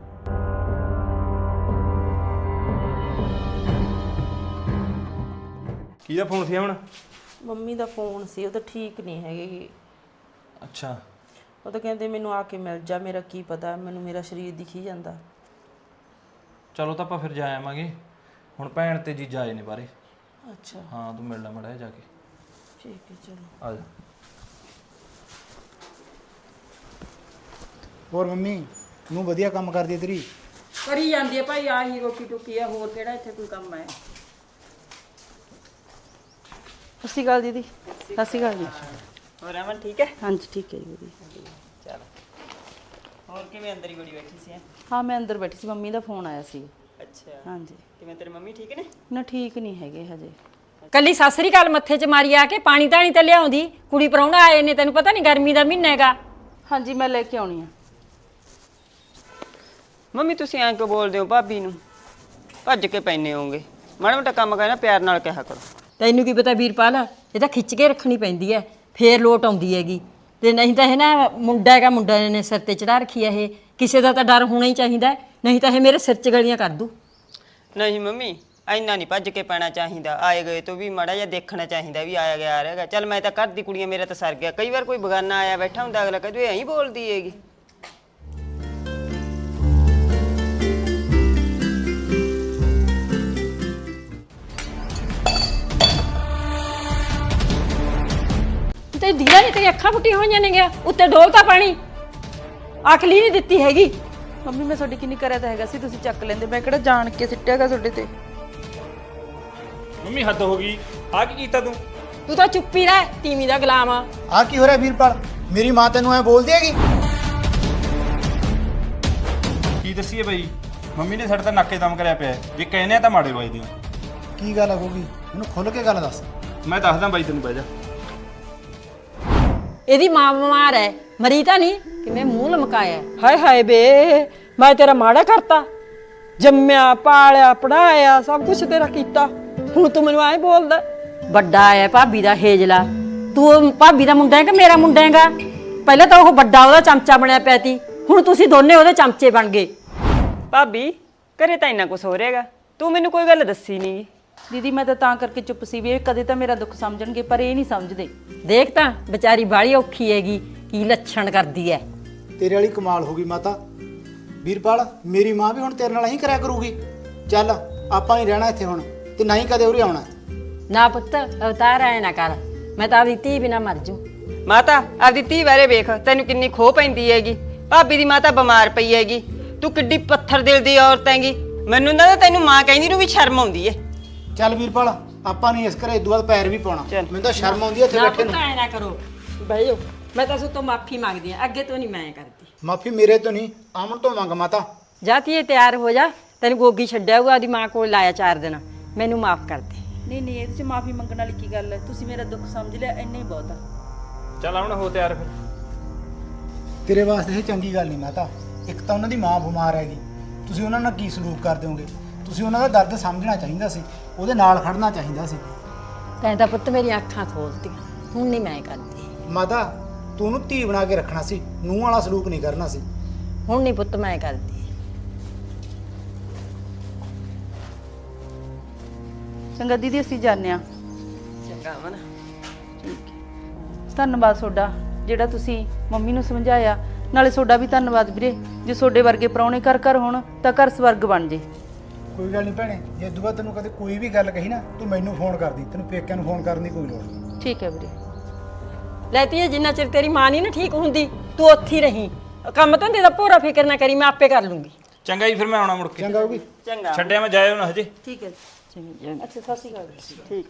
ਕਿਹਦਾ ਫੋਨ ਸੀ ਹੁਣ? ਮੰਮੀ ਦਾ ਫੋਨ ਸੀ, ਉਹ ਤਾਂ ਠੀਕ ਨਹੀਂ ਹੈਗੇ। ਅੱਛਾ, ਉਹ ਤਾਂ ਕਹਿੰਦੇ ਮੈਨੂੰ ਆ ਕੇ ਮਿਲ ਜਾ, ਮੇਰਾ ਕੀ ਪਤਾ, ਮੈਨੂੰ ਮੇਰਾ ਸਰੀਰ ਦਿਖੀ ਜਾਂਦਾ। ਚਲੋ ਤਾਂ ਆਪਾਂ ਫਿਰ ਜਾ ਆਵਾਂਗੇ। ਹੁਣ ਭੈਣ ਤੇ ਜੀਜਾ ਆਏ ਨੇ ਬਾਰੇ। ਅੱਛਾ ਹਾਂ, ਤੂੰ ਮਿਲ ਲੈ ਮੜਾ ਜਾ ਕੇ। ਠੀਕ ਹੈ, ਚਲੋ ਆ ਜਾ। ਹੋਰ ਮੰਮੀ ਨੂੰ ਵਧੀਆ ਕੰਮ ਕਰਦੀ ਹੈ ਤੇਰੀ? ਕਰੀ ਜਾਂਦੀ ਹੈ ਭਾਈ, ਆਹੀ ਰੋਟੀ ਟੁੱਕੀ ਆ, ਹੋਰ ਕਿਹੜਾ ਇੱਥੇ ਕੋਈ ਕੰਮ ਹੈ? ਸਤਿ ਸ਼੍ਰੀ ਅਕਾਲ ਦੀਦੀ। ਸਤਿ ਸ਼੍ਰੀ ਅਕਾਲ ਜੀ। ਹੋਰ ਅਮਨ ਠੀਕ ਹੈ? ਹਾਂਜੀ ਠੀਕ ਹੈ ਜੀ ਵਧੀਆ। ਚਲ ਹੋਰ ਕਿਵੇਂ ਅੰਦਰ ਹੀ ਬੜੀ ਬੈਠੀ ਸੀ? ਹਾਂ ਮੈਂ ਅੰਦਰ ਬੈਠੀ ਸੀ, ਮੰਮੀ ਦਾ ਫੋਨ ਆਇਆ ਸੀ। ਅੱਛਾ, ਹਾਂਜੀ। ਕਿਵੇਂ ਤੇਰੇ ਮੰਮੀ ਠੀਕ ਨੇ? ਨਾ ਠੀਕ ਨਹੀਂ ਹੈਗੇ ਹਜੇ। ਕੱਲੀ ਸਾਸਰੀ ਕਾਲ ਮੱਥੇ 'ਚ ਮਾਰੀ ਆ ਕੇ ਪਾਣੀ ਧਾਣੀ ਤੇ ਲਿਆਉਂਦੀ। ਕੁੜੀ ਪ੍ਰਾਹੁਣਾ ਆਏ ਨੇ, ਤੈਨੂੰ ਪਤਾ ਨਹੀਂ ਗਰਮੀ ਦਾ ਮਹੀਨਾ ਹੈਗਾ। ਹਾਂਜੀ ਮੈਂ ਲੈ ਕੇ ਆਉਣੀ ਆ। ਮੰਮੀ ਤੁਸੀਂ ਐਂ ਕਿਉਂ ਬੋਲਦੇ ਹੋ ਭਾਬੀ ਨੂੰ? ਭੱਜ ਕੇ ਪੈਨੇ ਹੋਗੇ। ਮਾੜਾ ਮੋਟਾ ਕੰਮ ਕਰਨਾ ਪਿਆਰ ਨਾਲ ਕਿਹਾ ਕਰੋ। ਤੈਨੂੰ ਕੀ ਪਤਾ ਵੀਰਪਾਲ, ਇਹ ਤਾਂ ਖਿੱਚ ਕੇ ਰੱਖਣੀ ਪੈਂਦੀ ਹੈ, ਫੇਰ ਲੋਟ ਆਉਂਦੀ ਹੈਗੀ। ਤੇ ਨਹੀਂ ਤਾਂ ਇਹ ਨਾ ਮੁੰਡਾ ਹੈਗਾ, ਮੁੰਡਾ ਨੇ ਸਿਰ ਤੇ ਚੜਾ ਰੱਖੀ ਹੈ। ਇਹ ਕਿਸੇ ਦਾ ਤਾਂ ਡਰ ਹੋਣਾ ਹੀ ਚਾਹੀਦਾ, ਨਹੀਂ ਤਾਂ ਇਹ ਮੇਰੇ ਸਿਰ 'ਚ ਗਲੀਆਂ ਕਰ ਦੂ। ਨਹੀਂ ਮੰਮੀ, ਇੰਨਾ ਨਹੀਂ ਭੱਜ ਕੇ ਪੈਣਾ ਚਾਹੀਦਾ। ਆਏ ਗਏ ਤੋਂ ਵੀ ਮਾੜਾ ਜਿਹਾ ਦੇਖਣਾ ਚਾਹੀਦਾ ਵੀ ਆਇਆ ਗਿਆ ਆ ਰਿਹਾਗਾ। ਚੱਲ ਮੈਂ ਤਾਂ ਘਰ ਦੀ ਕੁੜੀਆਂ, ਮੇਰਾ ਤਾਂ ਸਰ ਗਿਆ। ਕਈ ਵਾਰ ਕੋਈ ਬਗਾਨਾ ਆਇਆ ਬੈਠਾ ਹੁੰਦਾ, ਅਗਲਾ ਕਹਿੰਦਾ ਐਂ ਬੋਲਦੀ ਹੈਗੀ। ਤੇ ਦੀਦਾ ਨਹੀਂ, ਤੇਰੀ ਅੱਖਾਂ ਫੁੱਟੀਆਂ ਹੋਈਆਂ ਨੇ ਗਿਆ, ਉੱਤੇ ਡੋਲਤਾ ਪਾਣੀ, ਅਕਲੀ ਨਹੀਂ ਦਿੱਤੀ ਹੈਗੀ। ਮੰਮੀ ਮੈਂ ਤੁਹਾਡੀ ਕਿੰਨੀ ਕਰਿਆ ਤਾਂ ਹੈਗਾ ਸੀ, ਤੁਸੀਂ ਚੱਕ ਲੈਂਦੇ। ਮੈਂ ਕਿਹੜਾ ਜਾਣ ਕੇ ਸਿੱਟਿਆਗਾ ਤੁਹਾਡੇ ਤੇ। ਮੰਮੀ ਹੱਦ ਹੋ ਗਈ, ਆ ਕੀ ਕੀਤਾ ਤੂੰ? ਤੂੰ ਤਾਂ ਚੁੱਪੀ ਰਹਿ, ਤੀਵੀਂ ਦਾ ਗੁਲਾਮ ਆ। ਆ ਕੀ ਹੋ ਰਿਹਾ ਵੀਰਪਾਲ? ਮੇਰੀ ਮਾਂ ਤੈਨੂੰ ਐ ਬੋਲਦੀ ਹੈਗੀ? ਕੀ ਦੱਸੀਏ ਬਈ, ਮੰਮੀ ਨੇ ਸਾਡੇ ਤਾਂ ਨਾਕੇ ਦਮ ਕਰਿਆ ਪਿਆ। ਜੇ ਕਹਿੰਦੇ ਆ ਤਾਂ ਮਾੜੇ ਵੱਜਦੇ ਹੋ। ਕੀ ਗੱਲ ਹੋਗੀ? ਮੈਨੂੰ ਖੁੱਲ ਕੇ ਗੱਲ ਦੱਸ। ਮੈਂ ਦੱਸਦਾ ਬਾਈ, ਤੈਨੂੰ ਬਹਿ ਜਾ। ਇਹਦੀ ਮਾਂ ਬਿਮਾਰ ਹੈ, ਮਰੀ ਤਾਂ ਨਹੀਂ, ਕਿਵੇਂ ਮੂੰਹ ਲਮਕਾਇਆ। ਹਾਏ ਹਾਏ ਬੇ, ਮੈਂ ਤੇਰਾ ਮਾੜਾ ਕਰਤਾ? ਜੰਮਿਆ ਪਾਲਿਆ ਪੜਾਇਆ ਸਭ ਕੁਝ ਤੇਰਾ ਕੀਤਾ, ਹੁਣ ਤੂੰ ਮੈਨੂੰ ਐਂ ਬੋਲਦਾ? ਵੱਡਾ ਹੈ ਭਾਬੀ ਦਾ ਹੇਜਲਾ, ਤੂੰ ਭਾਬੀ ਦਾ ਮੁੰਡਾ ਹੈ ਕਿ ਮੇਰਾ ਮੁੰਡਾ ਹੈਗਾ? ਪਹਿਲਾਂ ਤਾਂ ਉਹ ਵੱਡਾ ਉਹਦਾ ਚਮਚਾ ਬਣਿਆ ਪਿਆ ਸੀ, ਹੁਣ ਤੁਸੀਂ ਦੋਨੇ ਉਹਦੇ ਚਮਚੇ ਬਣ ਗਏ। ਭਾਬੀ ਘਰੇ ਤਾਂ ਇੰਨਾ ਕੁਛ ਹੋ ਰਿਹਾਗਾ, ਤੂੰ ਮੈਨੂੰ ਕੋਈ ਗੱਲ ਦੱਸੀ ਨਹੀਂ। ਦੀਦੀ ਮੈਂ ਤਾਂ ਤਾਂ ਕਰਕੇ ਚੁੱਪ ਸੀ ਵੀ ਇਹ ਕਦੇ ਤਾਂ ਮੇਰਾ ਦੁੱਖ ਸਮਝਣਗੇ, ਪਰ ਇਹ ਨਹੀਂ ਸਮਝਦੇ। ਦੇਖ ਤਾਂ ਵਿਚਾਰੀ ਬਾਹਲੀ ਔਖੀ ਹੈਗੀ, ਕੀ ਲੱਛਣ ਕਰਦੀ ਹੈ। ਤੇਰੇ ਵਾਲੀ ਕਮਾਲ ਹੋ ਗਈ ਮਾਤਾ। ਵੀਰਪਾਲ ਮੇਰੀ ਮਾਂ ਵੀ ਹੁਣ ਤੇਰੇ ਨਾਲ ਹੀ ਕਰਿਆ ਕਰੂਗੀ। ਚੱਲ ਆਪਾਂ ਨਹੀਂ ਰਹਿਣਾ ਇੱਥੇ ਹੁਣ, ਤੇ ਨਾ ਹੀ ਕਦੇ ਉਰੇ ਆਉਣਾ। ਨਾ ਪੁੱਤ ਅਵਤਾਰ ਐ ਨਾ ਕਰ, ਮੈਂ ਤਾਂ ਆਪਦੀ ਧੀ ਬਿਨਾ ਮਰ ਜੂ। ਮਾਤਾ ਆਪਦੀ ਧੀ ਬਾਰੇ ਵੇਖ, ਤੈਨੂੰ ਕਿੰਨੀ ਖੋਹ ਪੈਂਦੀ ਹੈਗੀ। ਭਾਬੀ ਦੀ ਮਾਤਾ ਬਿਮਾਰ ਪਈ ਹੈਗੀ, ਤੂੰ ਕਿੱਡੀ ਪੱਥਰ ਦਿਲ ਦੀ ਔਰਤ ਹੈਗੀ। ਮੈਨੂੰ ਨਾ ਤੈਨੂੰ ਮਾਂ ਕਹਿੰਦੀ ਨੂੰ ਵੀ ਸ਼ਰਮ ਆਉਂਦੀ ਏ। ਚੱਲ ਵੀਰਪਾਲ ਆਪਾਂ ਨਹੀਂ ਇਸ ਘਰੇ ਇਦੋਂ ਬਾਅਦ ਪੈਰ ਵੀ ਪਾਉਣਾ। ਮੈਨੂੰ ਤਾਂ ਸ਼ਰਮ ਆਉਂਦੀ ਹੈ ਇੱਥੇ ਨਾ ਬੈਠੇ ਪੁੱਤ ਨੂੰ। ਐ ਨਾ ਕਰੋ, ਬਹਿ ਜਾਓ। ਮੈਂ ਤਾਂ ਸੁਤੋਂ ਮਾਫੀ ਮੰਗਦੀ ਆ, ਅੱਗੇ ਤੋਂ ਨਹੀਂ ਮੈਂ ਕਰਦੀ। ਮਾਫੀ ਮੇਰੇ ਤੋਂ ਨਹੀਂ, ਆਮਨ ਤੋਂ ਮੰਗ ਮਾਤਾ। ਜਾ ਧੀਏ ਤਿਆਰ ਹੋ ਜਾ, ਤੈਨੂੰ ਗੋਗੀ ਛੱਡਿਆ ਹੋਊਗਾ, ਉਹਦੀ ਮਾਂ ਕੋਲ ਲਾਇਆ ਚਾਰ ਦਿਨ, ਮੈਨੂੰ ਮਾਫ ਕਰ ਦੇ। ਨਹੀਂ ਨਹੀਂ ਇਹਦੇ 'ਚ ਮਾਫੀ ਮੰਗਣ ਵਾਲੀ ਕੀ ਗੱਲ ਹੈ? ਤੁਸੀਂ ਮੇਰਾ ਦੁੱਖ ਸਮਝ ਲਿਆ, ਇੰਨਾ ਹੀ ਬਹੁਤ ਆ। ਚੱਲ ਹੁਣ ਹੋ ਤਿਆਰ ਫਿਰ। ਤੇਰੇ ਵਾਸਤੇ ਇਹ ਚੰਗੀ ਗੱਲ ਨਹੀਂ ਮਾਤਾ। ਇੱਕ ਤਾਂ ਉਹਨਾਂ ਦੀ ਮਾਂ ਬਿਮਾਰ ਹੈਗੀ, ਤੁਸੀਂ ਉਹਨਾਂ ਨਾਲ ਕੀ ਸਲੂਕ ਕਰਦੇ ਹੋਗੇ? ਤੁਸੀਂ ਉਹਨਾਂ ਦਾ ਦਰਦ ਸਮਝਣਾ ਚਾਹੀਦਾ ਸੀ, ਉਹਦੇ ਨਾਲ ਖੜਨਾ ਚਾਹੀਦਾ ਸੀ। ਤੈਂ ਤਾਂ ਪੁੱਤ ਮੇਰੀਆਂ ਅੱਖਾਂ ਖੋਲਤੀਆਂ, ਹੁਣ ਨਹੀਂ ਮੈਂ ਕਰਦੀ। ਮਾਤਾ ਤੂੰ ਉਹਨੂੰ ਧੀ ਬਣਾ ਕੇ ਰੱਖਣਾ ਸੀ, ਨੂੰਹ ਵਾਲਾ ਸਲੂਕ ਨਹੀਂ ਕਰਨਾ ਸੀ। ਹੁਣ ਨਹੀਂ ਪੁੱਤ ਮੈਂ ਕਰਦੀ। ਚੰਗਾ ਦੀਦੀ ਅਸੀਂ ਜਾਂਦੇ ਆ। ਚੰਗਾ ਅਮਨ। ਧੰਨਵਾਦ ਤੁਹਾਡਾ, ਜਿਹੜਾ ਤੁਸੀਂ ਮੰਮੀ ਨੂੰ ਸਮਝਾਇਆ। ਨਾਲੇ ਤੁਹਾਡਾ ਵੀ ਧੰਨਵਾਦ ਵੀਰੇ, ਜੇ ਤੁਹਾਡੇ ਵਰਗੇ ਪ੍ਰਾਹੁਣੇ ਘਰ ਘਰ ਹੋਣ ਤਾਂ ਘਰ ਸਵਰਗ ਬਣ ਜੇ। ਕੋਈ ਗੱਲ ਨਹੀਂ ਭੈਣੇ, ਜੇ ਇਦੋਂ ਬਾਅਦ ਤੈਨੂੰ ਕਦੇ ਕੋਈ ਵੀ ਗੱਲ ਕਹੀ ਨਾ, ਤੂੰ ਮੈਨੂੰ ਫੋਨ ਕਰਦੀ, ਤੈਨੂੰ ਪੇਕਿਆਂ ਨੂੰ ਫੋਨ ਕਰਨ ਦੀ ਕੋਈ ਲੋੜ ਨਹੀਂ। ਠੀਕ ਹੈ ਵੀਰੇ। ਲੈਤੀ ਹੈ, ਜਿੰਨਾ ਚਿਰ ਤੇਰੀ ਮਾਂ ਨਹੀਂ ਨਾ ਠੀਕ ਹੁੰਦੀ, ਤੂੰ ਉੱਥੇ ਹੀ ਰਹੀਂ। ਕੰਮ ਧੰਦੇ ਦਾ ਭੋਰਾ ਫਿਕਰ ਨਾ ਕਰੀ, ਮੈਂ ਆਪੇ ਕਰ ਲੂੰਗੀ। ਚੰਗਾ ਜੀ, ਫਿਰ ਮੈਂ ਆਉਣਾ ਮੁੜ ਕੇ। ਚੰਗਾ ਹੋਗੀ। ਚੰਗਾ ਛੱਡਿਆ ਮੈਂ ਜਾਇਓ ਨਾ ਹਜੇ। ਠੀਕ ਹੈ। ਚੰਗਾ। ਅੱਛਾ ਸਤਿ ਸ਼੍ਰੀ ਅਕਾਲ। ਠੀਕ।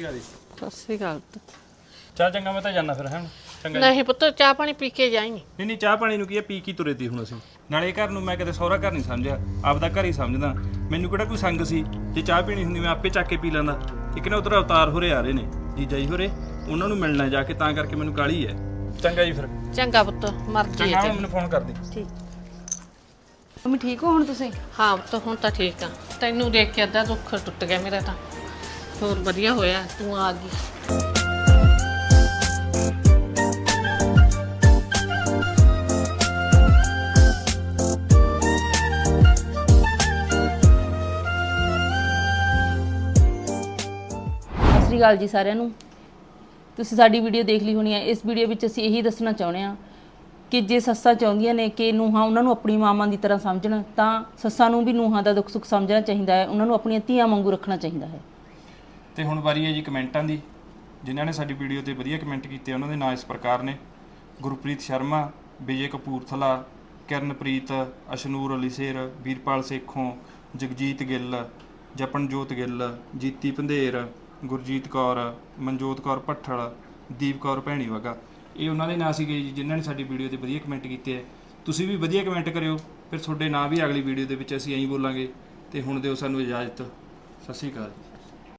ਅਕਾਲ ਜੀ। ਸਤਿ ਸ੍ਰੀ ਅਕਾਲ। ਚੱਲ ਚੰਗਾ ਮੈਂ ਤਾਂ ਜਾਣਾ ਫਿਰ ਹੈ ਚੰਗਾ ਜੀ। ਨਹੀਂ ਪੁੱਤ ਚਾਹ ਪਾਣੀ ਪੀ ਕੇ ਜਾਈਂ। ਨਹੀਂ ਨਹੀਂ ਚਾਹ ਪਾਣੀ ਨੂੰ ਕੀ ਹੈ, ਪੀ ਕੀ ਤੁਰੇ ਤੀ ਹੁਣ ਅਸੀਂ। ਨਾਲੇ ਘਰ ਨੂੰ ਮੈਂ ਕਦੇ ਸਹੁਰਾ ਘਰ ਨਹੀਂ ਸਮਝਿਆ, ਆਪਦਾ ਘਰ ਹੀ ਸਮਝਦਾ। ਮੈਨੂੰ ਕਿਹੜਾ ਕੋਈ ਸੰਗ ਸੀ, ਜੇ ਚਾਹ ਪੀਣੀ ਹੁੰਦੀ ਮੈਂ ਆਪੇ ਚੱਕ ਕੇ ਪੀ ਲੈਂਦਾ। ਇੱਕ ਨਾ ਉਧਰ ਅਵਤਾਰ ਹੋਰੇ ਆ ਰਹੇ ਨੇ, ਜੀਜਾ ਜੀ ਹੋਰੇ, ਉਹਨਾਂ ਨੂੰ ਮਿਲਣਾ ਜਾ ਕੇ, ਤਾਂ ਕਰਕੇ ਮੈਨੂੰ ਕਾਹਲੀ ਹੈ। ਚੰਗਾ ਜੀ ਫਿਰ। ਚੰਗਾ ਪੁੱਤ, ਮਰਜ਼ੀ ਚੰਗਾ ਹੈ ਮੈਨੂੰ ਫੋਨ ਕਰ ਦੇ। ਠੀਕ। ਮੰਮੀ ਠੀਕ ਹੋ ਹੁਣ ਤੁਸੀਂ? ਹਾਂ ਪੁੱਤ ਹੁਣ ਤਾਂ ਠੀਕ ਆ। ਤੈਨੂੰ ਦੇਖ ਕੇ ਅੱਧਾ ਦੁੱਖ ਟੁੱਟ ਗਿਆ ਮੇਰਾ ਤਾਂ। ਹੋਰ ਵਧੀਆ ਹੋਇਆ ਤੂੰ ਆ ਗਈ। ਸਤਿ ਸ਼੍ਰੀ ਅਕਾਲ ਜੀ ਸਾਰਿਆਂ ਨੂੰ। ਤੁਸੀਂ ਸਾਡੀ ਵੀਡੀਓ ਦੇਖ ਲਈ ਹੋਣੀ ਹੈ। ਇਸ ਵੀਡੀਓ ਵਿੱਚ ਅਸੀਂ ਇਹੀ ਦੱਸਣਾ ਚਾਹੁੰਦੇ ਹਾਂ ਕਿ ਜੇ ਸੱਸਾਂ ਚਾਹੁੰਦੀਆਂ ਨੇ ਕਿ ਨੂੰਹਾਂ ਉਹਨਾਂ ਨੂੰ ਆਪਣੀ ਮਾਵਾਂ ਦੀ ਤਰ੍ਹਾਂ ਸਮਝਣ, ਤਾਂ ਸੱਸਾਂ ਨੂੰ ਵੀ ਨੂੰਹਾਂ ਦਾ ਦੁੱਖ ਸੁੱਖ ਸਮਝਣਾ ਚਾਹੀਦਾ ਹੈ, ਉਹਨਾਂ ਨੂੰ ਆਪਣੀਆਂ ਧੀਆਂ ਵਾਂਗੂ ਰੱਖਣਾ ਚਾਹੀਦਾ ਹੈ। ਤੇ ਹੁਣ ਵਾਰੀ ਹੈ ਜੀ ਕਮੈਂਟਾਂ ਦੀ। ਜਿਨ੍ਹਾਂ ਨੇ ਸਾਡੀ ਵੀਡੀਓ ਤੇ ਵਧੀਆ ਕਮੈਂਟ ਕੀਤੇ ਉਹਨਾਂ ਦੇ ਨਾਂ ਇਸ ਪ੍ਰਕਾਰ ਨੇ: ਗੁਰਪ੍ਰੀਤ ਸ਼ਰਮਾ, ਵਿਜੇ ਕਪੂਰਥਲਾ, ਕਿਰਨਪ੍ਰੀਤ, ਅਸ਼ਨੂਰ ਅਲੀਸ਼ੇਰ, ਵੀਰਪਾਲ ਸੇਖੋਂ, ਜਗਜੀਤ ਗਿੱਲ, ਜਪਨਜੋਤ ਗਿੱਲ, ਜੀਤੀ ਪੰਧੇਰ, ਗੁਰਜੀਤ ਕੌਰ, ਮਨਜੋਤ ਕੌਰ ਭੱਠਲ, ਦੀਪ ਕੌਰ ਭੈਣੀ ਵਗਾ। ਇਹ ਉਹਨਾਂ ਦੇ ਨਾਂ ਸੀਗੇ ਜੀ ਜਿਨ੍ਹਾਂ ਨੇ ਸਾਡੀ ਵੀਡੀਓ ਤੇ ਵਧੀਆ ਕਮੈਂਟ ਕੀਤੇ ਹੈ। ਤੁਸੀਂ ਵੀ ਵਧੀਆ ਕਮੈਂਟ ਕਰਿਓ, ਫਿਰ ਤੁਹਾਡੇ ਨਾਂ ਵੀ ਅਗਲੀ ਵੀਡੀਓ ਦੇ ਵਿੱਚ ਅਸੀਂ ਐਂ ਬੋਲਾਂਗੇ। ਤੇ ਹੁਣ ਦਿਓ ਸਾਨੂੰ ਇਜਾਜ਼ਤ। ਸਤਿ ਸ਼੍ਰੀ ਅਕਾਲ।